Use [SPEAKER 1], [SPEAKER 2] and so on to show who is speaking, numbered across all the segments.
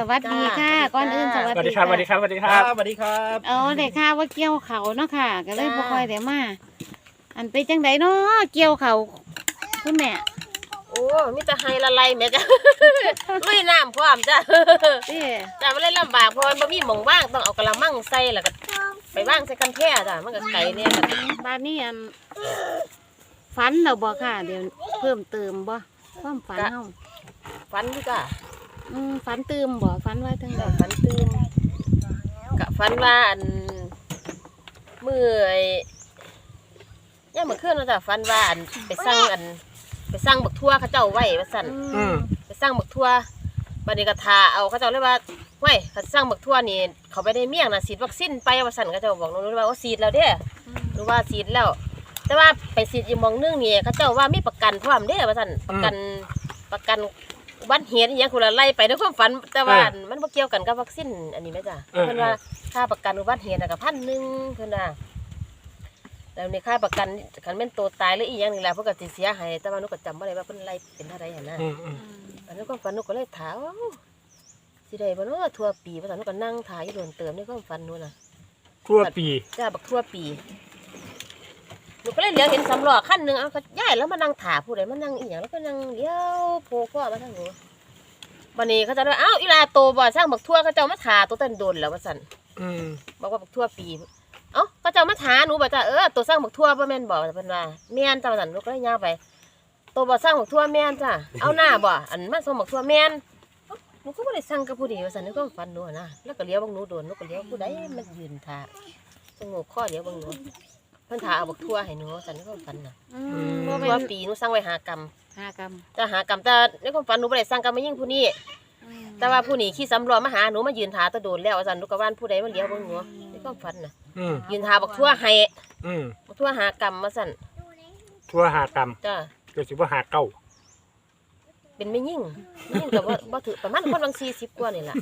[SPEAKER 1] วัสดีค่ะก่อนอื่นสวัสดีค่ะ
[SPEAKER 2] สวัสดีครับสวัสดีครับ
[SPEAKER 3] สวัสดีครับ
[SPEAKER 1] ได้ข่าวว่าเกี่ยวเขาเนาะค่ะก็เลยบ่ค่อยได้มาอันไปจังไดเนาะเกี่ยวเขาคุณแม่
[SPEAKER 4] โอ้มีแต่ให้ละลายแม่จ้ะ ลุยน้ำพร้อมจ้ะ
[SPEAKER 1] เด้
[SPEAKER 4] จ้ะมันเลยลำบากเพราะมันบ่มีหม่องว่างต้องเอากระมังใส่แล้วก็ไปว่างใส่กันแท้จ้ะมันก็ไกลเนี่ยจ้ะ
[SPEAKER 1] บ้านนี้ฝันเราบ่ค่ะเดี๋ยวเพิ่มเติมบ่ความฝันเฮา
[SPEAKER 4] ฝันอยู่จ้ะ
[SPEAKER 1] ฝันเติมบ่ฝันว่าจังได
[SPEAKER 4] ฝันตื่นกะฝันว่ามื้อย่ามมื้อคืนเนาะจ้ะฝันว่าไปสั่งบักทั่วเขาเจ้าไว้ว่าซั่น ไปสร้างบักทั่วบัดนี้ก็ทาเอาเขาเจ้าเลยว่าเว้ยเขาสร้างบักทั่วนี่เขาไปได้เมี่ยงน่ะฉีดวัคซีนไปว่าซั่นเขาเจ้าบอกน้องว่าฉีดแล้วเด้หรือว่าฉีดแล้ว แต่ว่าไปฉีดอีกหม้องนึงนี่เขาเจ้าว่ามีประกันพร้อมเด้ว่าซั่นประกันอุบัติเหตุอีหยังคนละไล่ไปในความฝันแต่ว่ามันบ่เกี่ยวกันกับวัคซีนอันนี้แม่จ้ะเพิ่นว่าค่าประกันอุบัติเหตุน่ะก็1,000เพิ่นว่าแล้วในค่าประกันคันแม่นตัวตายหรืออีหยังนี่แหละเพิ่นก็สิเสียให้แต่ว่าหนูก็จำบ่ได้ว่าเพิ่นไล่เป็นเท่าใดหั่นนะ อันนี้ก็ฝันหนูก็เลยถามว่าสิได้บ่เนาะทั่วปีว่าซั่นหนูก็นั่งถ่ายอยู่โดนเติมในความฝันหนูน่ะ
[SPEAKER 2] ทั่วปี
[SPEAKER 4] จ้าบักทั่วปีหนูก็เลยเหลียวเห็นสำล้อคันหนึงเอาก็ย้ายแล้วมานั่งถ่าผู้ใดมานั่งอีหยังแล้วก็นั่งเลี้ยวโผล่คอมาทางหนูบัดนี้เขาจะว่าอ้าวอีลาโตบ่สร้างบักทั่วเขาเจ้ามาถ่าตัวเต้นโดนแล้วว่าซั่นบอกว่าบักทั่วปีเอ้าเขาเจ้ามาถ่าหนูบ่จ้าตัวสร้างบักทั่วบ่แม่นบ่เพิ่นว่าแม่นจ้าว่าซั่นหนูก็เลยย่างไปตัวบ่สร้างบักทั่วแม่นจ้าเอาหน้าบ่อันมันส่งบักทั่วแม่นหนูก็บ่ได้สั่งกับผู้ใดว่าซั่นนึกว่าฝันหนูนะแล้วก็เลี้ยวเบิ่งหนูโดนหนูก็เลี้ยวผู้ใดมันยืนท่าสงบคอเลี้ยวเบิ่งหนูเพิ่นท่าเอาบักทั่วให้หนูว่าซั่นนึกว่าฝันน่ะ
[SPEAKER 1] บ่
[SPEAKER 4] ทั่
[SPEAKER 1] แม่
[SPEAKER 4] วน ปีหนูสั่งไว้5 กรัม
[SPEAKER 1] 5 กรัม
[SPEAKER 4] แต่5 กรัมแต่ในความฝันหนูบ่ได้สั่งกับมายิ่งผู้นี้แต่ว่าผู้นี้ขี่สำรวจมาหาหนูมายืนท่าตะโดนแล้วว่าซั่นหนูก็ว่านผู้ใดมันเลี้ยวเบิ่งหนูในความฝันน่ะยืนท่าบักทั่วให้บักทั่ว5 กรัมว่าซั่น
[SPEAKER 2] ทั่ว5 กรัม
[SPEAKER 4] จ้า
[SPEAKER 2] ก็สิบ่หาเก้า
[SPEAKER 4] เป็นไม่ยิ่งก็บ่ถือประมาณคนบาง40กว่านี่ล่ะ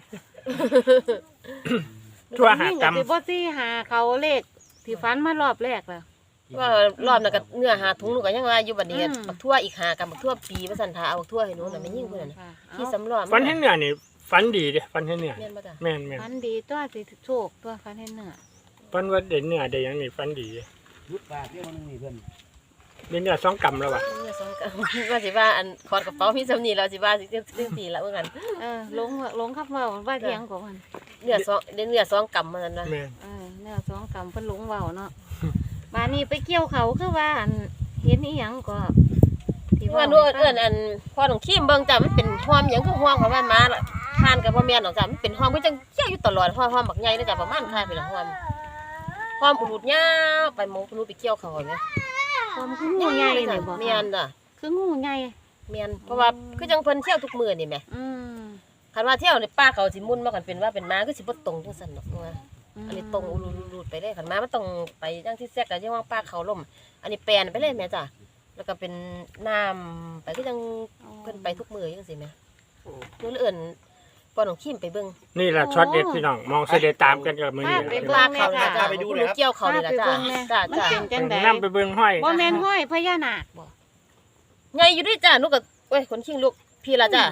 [SPEAKER 2] ทั่ว5 กรัม
[SPEAKER 1] สิบ่สิหาเขาเลขที่ฝันมารอบแรกแล้ว
[SPEAKER 4] ว่ารอบนั้นก็เนื้อหาถุงหนูก็ยังว่าอยู่บัดนี้บักทั่วอีก5 กรัมบักทั่วปีว่าซั่นท่าเอาบักทั่วให้หนูน่ะไม่ยิ่งเพิ่นน่ะขี่สำรวจ
[SPEAKER 2] ฟันให้เหนื่อยนี่ฟันดีเด้ฟันให้เหนื่อย
[SPEAKER 4] แม่นบ่จ้ะ
[SPEAKER 2] แม่น
[SPEAKER 1] ฝันดีตัวสิโชคตัวฝันเห็นเนื้อ
[SPEAKER 2] ฟันว่าเด่นเหนื่อยได้หยังนี่ฟันดี
[SPEAKER 3] ยุดปากเที่ยวนึงนี่เพื่อน
[SPEAKER 2] เด่นเหนื่อย2 กรัมแล้วว่ะ
[SPEAKER 4] เนี่ยสองกรัมว่าสิว่าอันขอดกระเป๋ามีสำนีแล้วสิว่าสิ4ละว่างั้น
[SPEAKER 1] ลงครับว่าเถียงของมัน
[SPEAKER 4] เนื้อ2 กรัมมันนะ
[SPEAKER 2] แม่น
[SPEAKER 1] เนื้อ2 กรัมเพิ่นลงเว้าเนาะบ้านนี้ไปเกี่ยวเขาคือว่าอันเห็นอีหยังก็ที่
[SPEAKER 4] ว่าหนูเอิ้นอันพอต้องขี้มเบิ่งจ้ะมันเป็นหอมหยังคือหอมของมันมาทานก็บ่แม่นดอกจ้ะมันเป็นหอมคือจังเกี่ยวอยู่ตลอดหอมบักใหญ่เลยจ้ะประมาณค่าเป็นหอมอุดยาวไปหมองหนูไปเกี่ยวเขาแม่
[SPEAKER 1] ความคืองูใหญ่นี่บ่
[SPEAKER 4] แม่นจ้ะ
[SPEAKER 1] คืองูใหญ่
[SPEAKER 4] แม่นเพราะว่าคือจังเพิ่นเที่ยวทุกมื้อนี่แหม คันว่าเที่ยวในป่าเขาสิมุ่นมากันเป็นว่าเป็นม้าก็สิบ่ตรงจังซั่นดอกว่าอันนี้ตรงรูดไปเลยคันม้ามันต้องไปจังที่แซกก็ยังว่าป่าเขาล่มอันนี้แปลนไปเลยแม่จ้ะแล้วก็เป็นน้ำไปคือจังเพิ่นไปทุกมื้อจังซี่แม่หนูเลยเอิ้นปอน้องคิมไปเบิ่ง
[SPEAKER 2] นี่ล่ะช็อตเด็ดพี่น้องมองเสด็จตามกันกับมื้อนี้
[SPEAKER 1] ไป
[SPEAKER 4] ป่า
[SPEAKER 1] เบิ่ง
[SPEAKER 4] เขา
[SPEAKER 1] แม่
[SPEAKER 4] นี่
[SPEAKER 1] ค่ะ
[SPEAKER 4] ล่ะจ้ะหนูเกี่ยวเขานี่ล่ะจ้ะจ้ะ
[SPEAKER 1] มัน
[SPEAKER 4] จ้ะ
[SPEAKER 1] เป็นจังได๋
[SPEAKER 2] นำไปเบิ่งห้อย
[SPEAKER 1] บ่แม่นห้อยพญานาคบ่
[SPEAKER 4] ใหญ่อยู่ด้วยจ้ะหนูก็เว้ยคนชิงลูกพี่ล่ะจ้ะ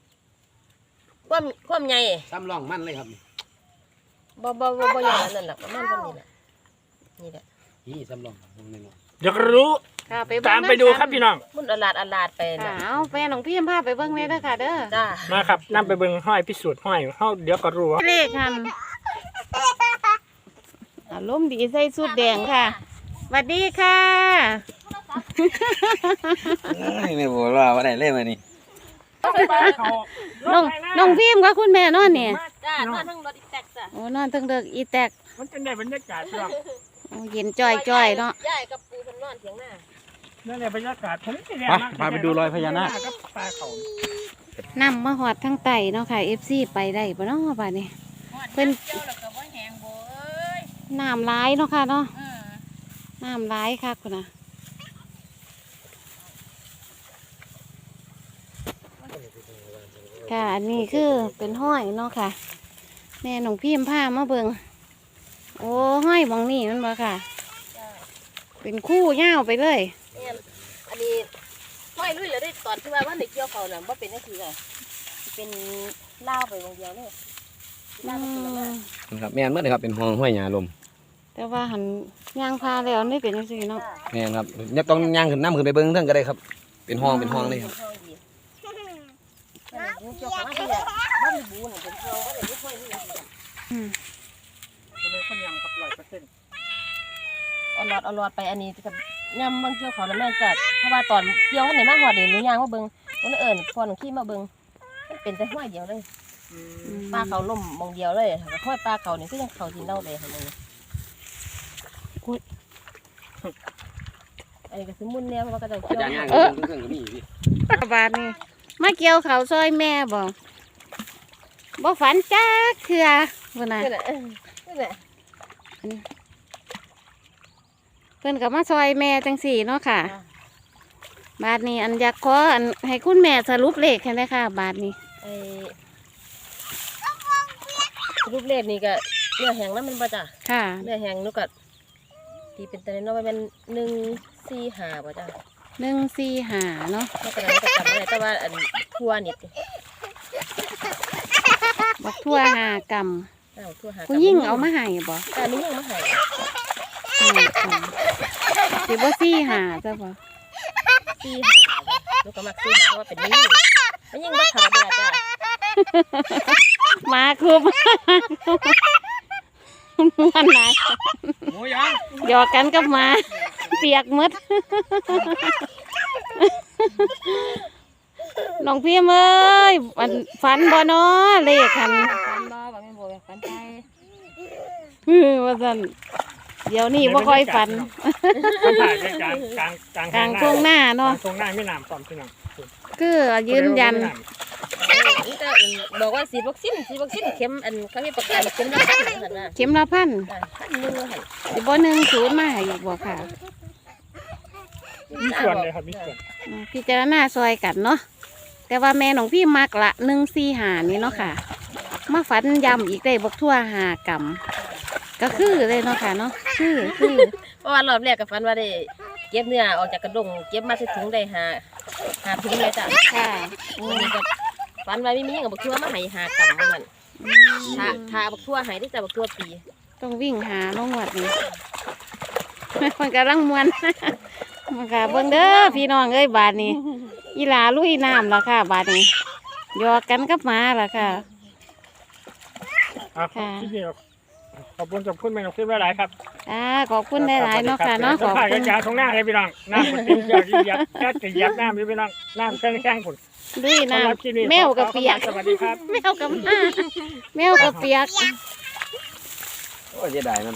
[SPEAKER 4] ความใหญ่
[SPEAKER 3] ซ้ำร่องมันเลยครับ
[SPEAKER 4] บ่ใหญ่นั่นล่ะประมาณเท่านี้แหละนี่แหละ
[SPEAKER 3] นี่ซ้ำร่องตรงนี้เนาะ
[SPEAKER 2] เดี๋ยวก็รู้
[SPEAKER 1] ค่ะไป
[SPEAKER 2] ตามไปดูครับพี่น้อง
[SPEAKER 4] มุ่นอลาดไป
[SPEAKER 1] ค่ะ
[SPEAKER 4] น่ะ
[SPEAKER 1] เอาแฟนของพี่พาไปเบิ่งแม่เด้อค่ะเด้อ
[SPEAKER 4] จ้า
[SPEAKER 2] มาครับนำไปเบิ่งห้อยพิสูจน์ห้อยเฮาเดี๋ยวก็รู้
[SPEAKER 1] เลขหันอารมณ์ดีใส่สุดแดงค่ะสวัสดีค่ะ
[SPEAKER 3] ไม่บอกว่าได้เล่นมานี่
[SPEAKER 1] น้องพิมพ์กับคุณแม่นอนเนี่ย
[SPEAKER 4] จ้านอนทั้งรถอีแตกจ้ะ
[SPEAKER 1] โอ้นอนทั้งเด็กอีแตก
[SPEAKER 2] มันจะได้บรรยากาศพี่น้อง
[SPEAKER 1] โอ้เย็นจ้อยๆเนาะ
[SPEAKER 4] ยายกับปูเพิ่นนอนเถียงหน้า
[SPEAKER 2] นั่นแหละบรรยากาศผมสิแลมาก
[SPEAKER 3] พาไปดูรอยพญานาค
[SPEAKER 2] กับปลาเขา
[SPEAKER 1] นำมาหอดทั้งไตเนาะค่ะ FC ไปได้ปะเนาะป่านนี้เพิ่น
[SPEAKER 4] เจ้าแล้วก็บ่แหงบ่เอ้ย
[SPEAKER 1] น้ำร้ายเนาะค่ะเนาะน้ำร้ายค่ะคุณนะค่ะอันนี้คือเป็นห้อยเนาะค่ะแม่หนองพิมพ์ผ้ามาเบิงโอ้ห้อยบองนี่มันบ่ค่ะ เป็นคู่ยาวไปเลย
[SPEAKER 4] แม่นอันนี้ห้อยลุยแล้วได้ตอนที่ว่าได้เกี่ยวเขาน่ะบ่เป็นจังซี่เลยเป็นล่าวไปวงเดียวเลยล่าวไปคนละหน้า
[SPEAKER 3] ครับแม่นเมื่อไหร่ครับเป็นห้องห้วยหญ้าลม
[SPEAKER 1] แต่ว่าหันย่างพาแล้วนี่เป็นจังซี่เนาะ
[SPEAKER 3] แม่นครับเนี่ยต้องย่างขึ้นน้ำขึ้นไปเบิ้งเท่งก็ได้ครับเป็นห้องเลยครับ
[SPEAKER 4] ห้องดียูเกี่ยวกับอะไรเนี่ยบ้านบูนเป็นห้องก็เลยไม่ค่อยมีอะไร
[SPEAKER 2] ผมเป็นคนยำครับ100%
[SPEAKER 4] เอาหลอดไปอันนี้กับย่ำบางเกี่ยวเขาแล้วแม่จัดเพราะว่าตอนเกี่ยวเขาไหนมาหอดนี่หนูย่างมาเบิ่งวันเอิญพอหนูขี้มาเบิ่งมันเป็นแต่ห้อยเดียวเลยปลาเขาล่มมองเดียวเลยห้อยปลาเขานี่ก็ยังเขาที่เน่าเลยค่ะมึงอันนี้ก็สมุนเนี่ยเพราะว่าก็จะเกี่ยว
[SPEAKER 3] ย่างเครื่องก็มีพี่
[SPEAKER 1] บาดนี้มาเกี่ยวเขาวซอยแม่บ่ฝันจักเทื่อพุ่นน่ะ
[SPEAKER 4] นี่แหละนี่แหละ
[SPEAKER 1] เพิ่นก็มาซอยแม่จังสี่เนาะค่ะ บาดนี้อันอยากขออันให้คุณแม่สรุปเลขให้ได้ค่ะ บาดนี้
[SPEAKER 4] ไอ้รูปเลขนี่ก็เนื้อแห้งแล้วมันบ่จ้ะ
[SPEAKER 1] ค่ะ
[SPEAKER 4] เนื้อแห้งนูก็ตีเป็นตัวน้อยเป็น145บ่จ้ะ
[SPEAKER 1] 145เนาะ
[SPEAKER 4] แล้วก็นั้นก็จำได้แต่ว่าอันทั่วนี่
[SPEAKER 1] บักทั่ว5 กรัม
[SPEAKER 4] ทั่วหา
[SPEAKER 1] ผู้หญิงเอามาให้บ่
[SPEAKER 4] แต่ไม่ยังมาให้
[SPEAKER 1] 5 กรัมสิบ่45จ้ะบ่
[SPEAKER 4] 45นูก็มัก45เพราะว่าเป็นนี่ไม่ยิ่งบ่เท่าเด้อจ้ะ
[SPEAKER 1] มาคุบม่วนหลาย
[SPEAKER 3] หมูยัง
[SPEAKER 1] หยอกกันกับหมาเปียกหมด น้องพี่เอ้ยฝันบ่เนาะเลขคัน
[SPEAKER 4] ฟันบ่ว่าแม่นบ่ฟันใจ
[SPEAKER 1] ว่าซั่นเดี๋ยวนี้บ่ค่อยฝัน
[SPEAKER 2] มันถ่ายในกลาง
[SPEAKER 1] กลางช่วงหน้าก
[SPEAKER 2] ลา
[SPEAKER 1] เนาะ
[SPEAKER 2] งช่วงหน้าไม่น้ำพร้อมพี่น้อง
[SPEAKER 1] คือยืนยัน
[SPEAKER 4] นี่จะบอกว่าฉีดวัคซีนเข็มอันเขามีประกันเข็มละพันหั่นน่ะ
[SPEAKER 1] เข็มละพัน
[SPEAKER 4] 1,000หั่น
[SPEAKER 1] สิบ่10มาให้อีกบ่ค่ะ
[SPEAKER 2] มีส่วนเลยครับมีส่วน
[SPEAKER 1] พิจารณาซอยกันเนาะแต่ว่าแม่น้องพี่มักละ145นี่เนาะค่ะ มาฝันย้ำอีกได้บักทั่ว5 กรัมก็คือเลยเนาะค่ะเนาะคือ
[SPEAKER 4] เพราะว่ารอบแรกก็ฝันว่าได้เก็บเนื้อออกจากกระดงเก็บมาใส่ถุงได้หาถุงเลยจ้ะ
[SPEAKER 1] ค่ะ
[SPEAKER 4] อันนี้ก็ฝันว่ามีหยังบักทั่วมาให้5 กรัมว่าซั่นถ้าบักทั่วให้ได้จ้ะบักทั่วปี
[SPEAKER 1] ต้องวิ่งหาลงวัดนี่ มันกำลังมวน มันก็เบิ่งเด้อพี่น้องเอ้ยบาดนี้อีหลาลุยน้ำล่ะค่ะ บาดนี้หยอกกันกับหมาล่ะค่ะ
[SPEAKER 2] ที่นี่ขอบคุณแม่น้องฟิล์มหลายครับ
[SPEAKER 1] ขอบคุณหลายๆเนาะค่ะเนาะขอบ
[SPEAKER 2] ถ่าย
[SPEAKER 1] คุ
[SPEAKER 2] กั
[SPEAKER 1] ณ
[SPEAKER 2] นยาตรงหน้าเลยพี่น้องน้ำมันเต็มเยอะยับแค่จะยับน้ำพี่น้องน้ำแข้งผุน
[SPEAKER 1] ลุยน้ำแมวกับเปียก
[SPEAKER 2] สวัสดีครับ
[SPEAKER 1] แมวกับหมาแมวกับเปียก
[SPEAKER 3] โอ้ยเสียดายมัน